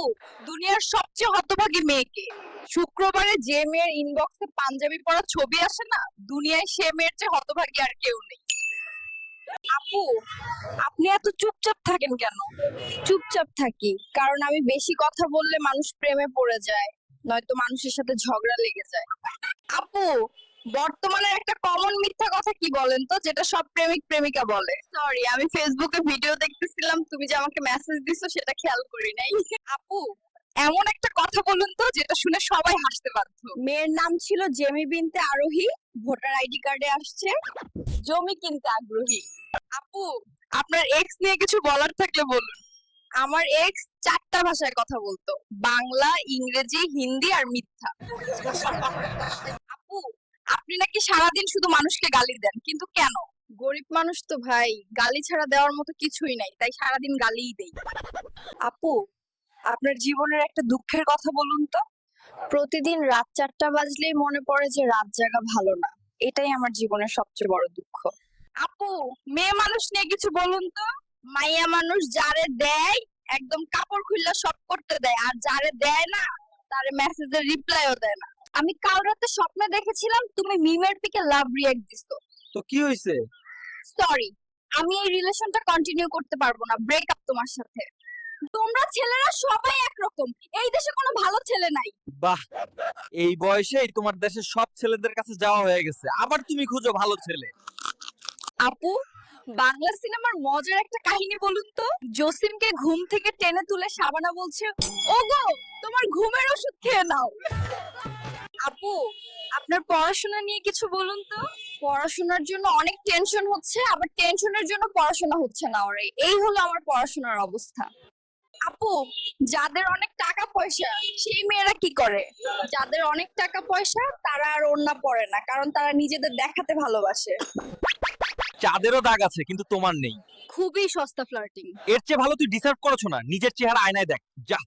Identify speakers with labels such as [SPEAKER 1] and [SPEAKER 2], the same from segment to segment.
[SPEAKER 1] দুনিয়ার সবচেয়ে হতভাগী মেয়েকে শুক্রবারে যে মেয়ের ইনবক্সে পাঞ্জাবি পরা ছবি আসে না, দুনিয়ায় সে মেয়ের চেয়ে হতভাগী আর কেউ নেই। আপু, আপনি এত চুপচাপ থাকেন কেন? চুপচাপ থাকি কারণ আমি বেশি কথা বললে মানুষ প্রেমে পড়ে যায়, নয়তো মানুষের সাথে ঝগড়া লেগে যায়। আপু, বর্তমানে একটা কমন মিথ্যা কথা কি বলেন তো, যেটা সব প্রেমিক প্রেমিকা বলে? সরি, আমি ফেসবুকে ভিডিও দেখতেছিলাম, তুমি যে আমাকে মেসেজ দিছো সেটা খেয়াল করি নাই। আপু, এমন একটা কথা বলুন তো যেটা শুনে সবাই হাসতে বাধ্য। মেয়ের নাম ছিল জেমি বিনতে আরোহী, ভোটার আইডি কার্ডে আসছে জমি কিনতে আগ্রহী। আপু, আপনার এক্স নিয়ে কিছু বলার থাকলে বলুন। আমার এক্স 4টা ভাষায় কথা বলতো, বাংলা, ইংরেজি, হিন্দি আর মিথ্যা। আপু, আপনি নাকি সারাদিন শুধু মানুষকে গালি দেন, কিন্তু কেন? গরিব মানুষ তো ভাই, গালি ছাড়া দেওয়ার মতো কিছুই নাই, তাই সারাদিন গালিই দেই। আপু, আপনার জীবনের একটা দুঃখের কথা বলুন তো। প্রতিদিন রাত 4টা বাজলেই মনে পড়ে যে রাত জাগা ভালো না, এটাই আমার জীবনের সবচেয়ে বড় দুঃখ। আপু, মেয়ে মানুষ নিয়ে কিছু বলুন তো। মাইয়া মানুষ যারে দেয় একদম কাপড় খুললা সব করতে দেয়, আর যারে দেয় না তারে মেসেজের রিপ্লাইও দেয় না। আমি কাল রাতে স্বপ্নে দেখেছিলাম তুমি মিমের পিকে লাভ রিঅ্যাক্ট দিছো।
[SPEAKER 2] তো কি হইছে?
[SPEAKER 1] সরি, আমি এই রিলেশনটা কন্টিনিউ করতে পারবো না, ব্রেকআপ তোমার সাথে। তোমরা ছেলেরা সবাই একরকম, এই দেশে কোনো ভালো ছেলে নাই।
[SPEAKER 2] বাহ, এই বয়সেই তোমার দেশের সব ছেলেদের কাছে যাওয়া হয়ে গেছে, আবার তুমি খুঁজো ভালো ছেলে।
[SPEAKER 1] আপু, বাংলা সিনেমার মজার একটা কাহিনী বলুন তো। জসিমকে ঘুম থেকে টেনে তুলে শাবানা বলছে, ওগো তোমার ঘুমের ওষুধ খেয়ে নাও। আপু, আপনার পড়াশোনা নিয়ে কিছু বলুন তো। পড়াশোনার জন্য অনেক টেনশন হচ্ছে, আবার টেনশনের জন্য পড়াশোনা হচ্ছে না, ওরে এই হলো আমার পড়াশোনার অবস্থা। আপু, যাদের অনেক টাকা পয়সা সেই মেয়েরা কি করে? যাদের অনেক টাকা পয়সা তারা আর ওড়না পরে না, কারণ তারা নিজেদের দেখাতে ভালোবাসে।
[SPEAKER 2] চাঁদেরও দাগ আছে কিন্তু তোমার নেই।
[SPEAKER 1] খুবই সস্তা ফ্লার্টিং।
[SPEAKER 2] এর চেয়ে ভালো তুই ডিসার্ভ করছো না, নিজের চেহারা আয়নায় দেখ যা।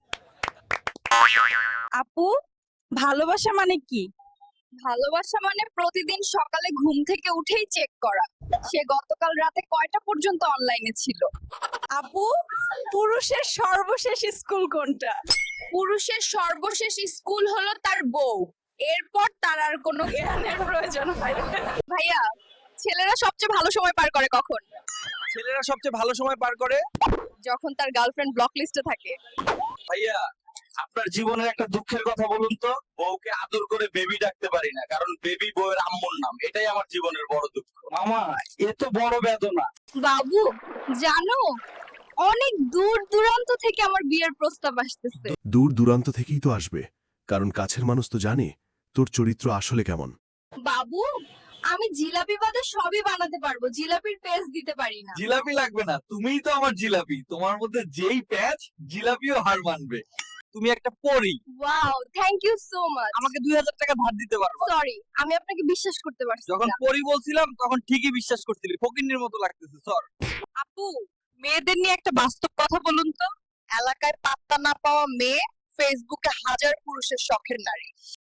[SPEAKER 1] আপু, ভালোবাসা মানে কি? ভালোবাসা মানে প্রতিদিন সকালে ঘুম থেকে উঠেই চেক করা সে গতকাল রাতে কয়টা পর্যন্ত অনলাইনে ছিল। আপু, পুরুষের সর্বশেষ স্কুল কোনটা? পুরুষের সর্বশেষ স্কুল হলো তার বউ, এরপর তার আর কোনো জ্ঞানের প্রয়োজন হয় না। ভাইয়া, ছেলেরা সবচেয়ে ভালো সময় পার করে কখন?
[SPEAKER 2] ছেলেরা সবচেয়ে ভালো সময় পার করে
[SPEAKER 1] যখন তার গার্লফ্রেন্ড ব্লক লিস্টে থাকে।
[SPEAKER 2] ভাইয়া, আপনার জীবনের একটা দুঃখের কথা বলুন তো। বউকে আদর করে বেবি ডাকতে পারি না, কারণ বেবি বউয়ের আম্মুর নাম, এটাই আমার জীবনের বড় দুঃখ। মামা, এ তো বড় বেদনা।
[SPEAKER 1] বাবু, জানো অনেক দূর দূরান্ত থেকে আমার বিয়ের প্রস্তাব আসতেছে।
[SPEAKER 3] দূর দূরান্ত থেকেই তো আসবে, কারণ কাছের মানুষ তো জানে তোর চরিত্র আসলে কেমন।
[SPEAKER 1] বাবু, আমি জিলাপি বাদে সবই বানাতে পারবো, জিলাপির পেস্ট দিতে পারি না।
[SPEAKER 2] জিলাপি লাগবে না, তুমিই তো আমার জিলাপি। তোমার মধ্যে যেই প্যাচ, জিলাপিও হার মানবে। তুমি একটা পরী।
[SPEAKER 1] Wow, thank you so much.
[SPEAKER 2] আমাকে 2000 টাকা ধার দিতে পারবা?
[SPEAKER 1] সরি, আমি আপনাকে বিশ্বাস করতে পারছি
[SPEAKER 2] যখন
[SPEAKER 1] না।
[SPEAKER 2] পরী বলছিলাম তখন ঠিকই বিশ্বাস করছিলি, ফকিন্নির মতো লাগতেছে স্যার।
[SPEAKER 1] আপু, মেয়েদের নিয়ে একটা বাস্তব কথা বলুন তো। এলাকায় পাত্তা না পাওয়া মেয়ে, ফেসবুকে হাজার পুরুষের শখের নারী।